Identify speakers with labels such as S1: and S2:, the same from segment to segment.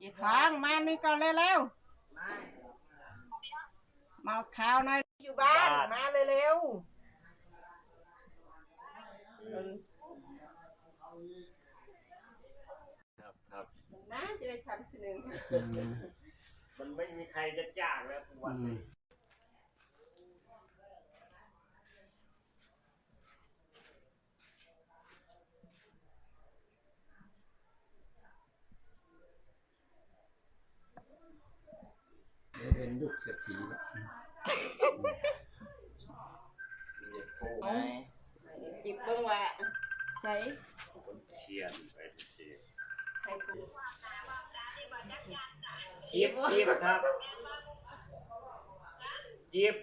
S1: กีทองมานี่ก่อนเร็วๆมาข้าวหน่อยอยู่บ้านมาเร็ว
S2: ครับ
S1: นะจะได้ทำทีหนึ่ง
S2: มันไม่มีใครจะจ้างแล้วทุกวันนี้
S3: เป็นลูกเศรษฐีแล้ว
S1: จิบเบิ้งว่าใส่
S2: เชียนไปเชียน
S1: ใส่ถุง
S2: จิ๊บครับจิ๊บ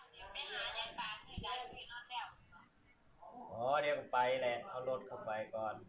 S2: อ๋อเดี๋ยวไปแหละเอารถเข้าไปก่อน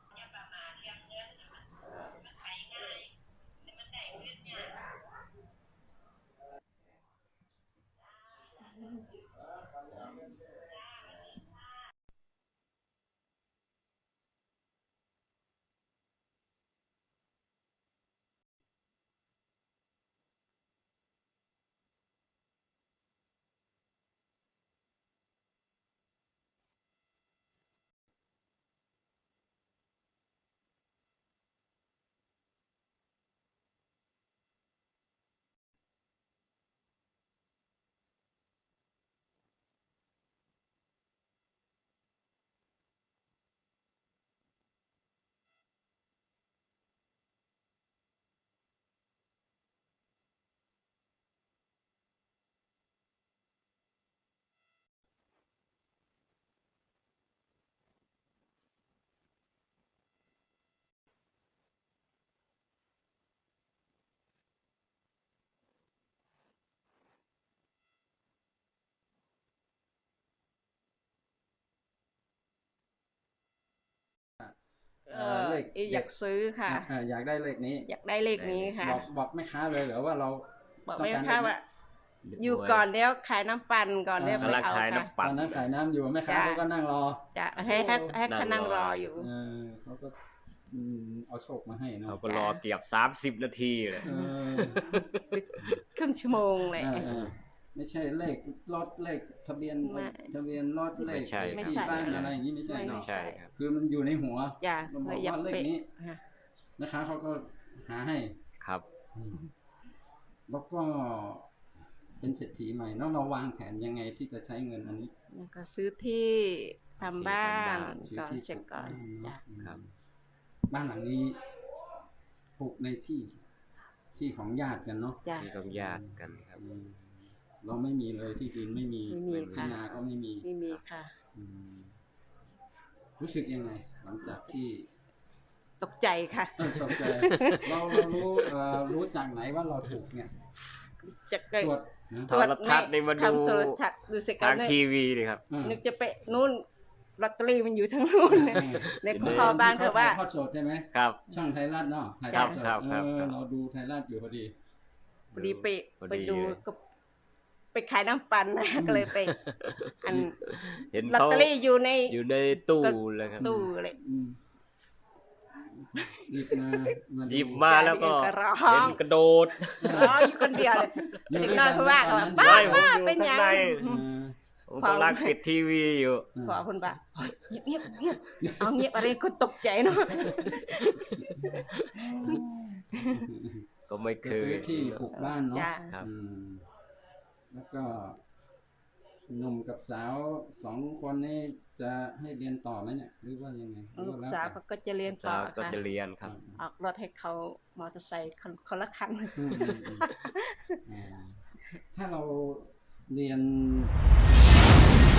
S3: เลข
S1: อยากซื้อค่ะ
S3: อยากได้เลขนี้
S1: อยากได้เลขนี้ค่ะ
S3: บอกแม่ค้าเลยเหรอว่าเรา
S1: บอกแม่ค้าว่าอยู่ก่อนเดี๋ยวขายน้ำปั่นก่อนเดี๋ยวไปเอาค่ะ
S3: ตอนนั้นขายน้ำอยู่แม่ค้าเขาก็นั่งรอ
S1: จะให้เขานั่งรออยู่
S3: เขาก็เอาโชคมาให้เนาะ
S2: เขาก็รอเกือบ30 นาทีเลย
S1: ครึ่งชั่วโมงเลย
S3: ไม่ใช่เลขรถเลขทะเบียนรถเลขที่บ้านอะไรอย่างนี้ไม่ใช่เนาะคือมันอยู่ในหัวเราบอกว่าเลขนี้นะคะเขาก็หาให้
S2: ครับ
S3: แล้วก็เป็นเศรษฐีใหม่เนาะเราวางแผนยังไงที่จะใช้เงินอันนี้
S1: ก็ซื้อที่ทำบ้านก่อนเสร็จก่อน
S2: ครับ
S3: บ้านหลังนี้ปลูกในที่ของญาติกันเนาะ
S2: ที่ของญาติกันครับ
S3: เราไม่มีเลยที่ดินไม่มีที่นาก็ไม่มี
S1: ค่ะ
S3: รู้สึกยังไงหลังจากที่
S1: ตกใจค่ะ
S3: ตกใจเรารู้จากไหนว่าเราถูกเนี่ย
S1: จาก
S2: โทรทัศน์นี่มาดูทางทีวีเลยครับ
S1: นึกจะไปนู่นลอตเตอรี่มันอยู่ทั้งนู่นในคอบ้านเขาว่า
S3: ทอดสดใช่ไหม
S2: ครับ
S3: ช่องไทยรัฐเนาะ
S2: ครับ
S3: เราดูไทยรัฐอยู่พอดี
S1: ไปดูก็ไปขายน้ำปั่นนะก็เลยไป
S2: เห็น
S1: ลอตเตอรี่อยู่ใน
S2: ตู้เลยครับ
S1: ตู้เลย
S2: หยิบมาแล้วก็เห็นกระโดด
S1: ร้องอยู่คนเดียวเลยเด็กน้อยเขาว่ากันบ้าเป็นยังไง
S2: ผมกำลังปิดทีวีอยู่
S1: ขอคุณป่ะเงียบเอาเงียบอะไรคนตกใจเนาะ
S2: ก็ไม่เคย
S3: ที่ปลูกบ้านเนาะ
S2: ครับ
S3: แล้วก็หนุ่มกับสาว2 คนนี้จะให้เรียนต่อไหมเนี่ยหรือว่ายังไง
S1: ลูกสาวก็จะเรียนต่อค่ะ
S2: ก็จะเรียนครับ
S1: ออกรถให้เขามอเตอร์ไซค์คนละคัน
S3: ถ้าเราเรียน